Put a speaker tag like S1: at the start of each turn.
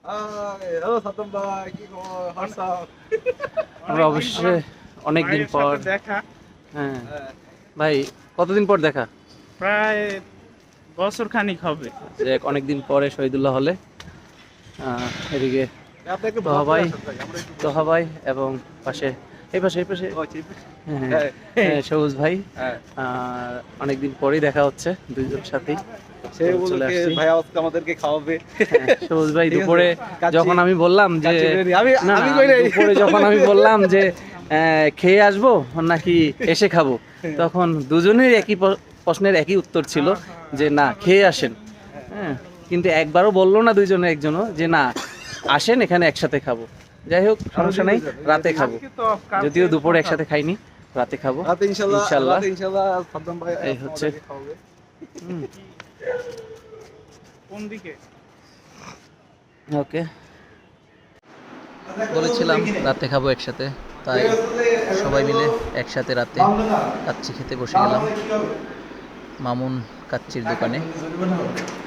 S1: Hello সাতম ভাই, কি খবর? হোয়াটসঅ্যাপ?
S2: আমরা অবশ্যই অনেকদিন পর
S3: দেখা।
S2: হ্যাঁ
S1: হ্যাঁ,
S2: ভাই, কতদিন পর দেখা?
S3: প্রায় বছর খানিক হবে।
S2: যে অনেকদিন পরে শহীদুল্লাহ হলে এদিকে
S1: আপনি একটু
S2: তোহা
S1: ভদ্র
S2: ভাই
S1: আসেন ভাই, আমরা একটু
S2: তোহা ভাই এবং পাশে এই পাশে
S1: ও, চিপ।
S2: হ্যাঁ,
S1: হ্যাঁ,
S2: হ্যাঁ, সবুজ ভাই।
S1: হ্যাঁ।
S2: অনেকদিন পরেই দেখা হচ্ছে দুইজন সাথেই।
S1: সে
S2: চলে
S1: উপলক্ষে
S2: আসছি।
S1: ভাই আজকে আমাদেরকে খাওয়াবে।
S2: হ্যাঁ, সবুজ ভাই
S1: ঠিক আছে।
S2: দুপুরে
S1: কাচ্চি-
S2: যখন আমি বললাম যে
S1: কাচ্চি বিরিয়ানি।
S2: না
S1: আমি
S2: না,
S1: কই নাই।
S2: দুপুরে যখন আমি বললাম যে খেয়ে আসবো নাকি এসে খাবো, তখন দুজনের একই প্রশ্নের একই উত্তর ছিল যে না, খেয়ে আসেন। হ্যাঁ, কিন্তু একবারও বললো না দুইজনে একজনও যে না, আসেন এখানে একসাথে খাবো। যাই হোক, সমস্যা নাই, রাতে খাবো। যদিও দুপুরে একসাথে খাইনি, রাতে খাবো
S1: রাতে ইনশাল্লাহ,
S2: ইনশাল্লাহ।
S1: রাতে ইনশাল্লাহ সাদ্দাম ভাই
S2: এই হচ্ছে।
S1: আমাদেরকে খাওয়াবে।
S2: হুম,
S3: কোন দিকে?
S2: ওকে, বলেছিলাম রাতে খাবো একসাথে, তাই সবাই মিলে একসাথে রাতে কাচ্চি খেতে বসে গেলাম মামুন কাচ্চির দোকানে।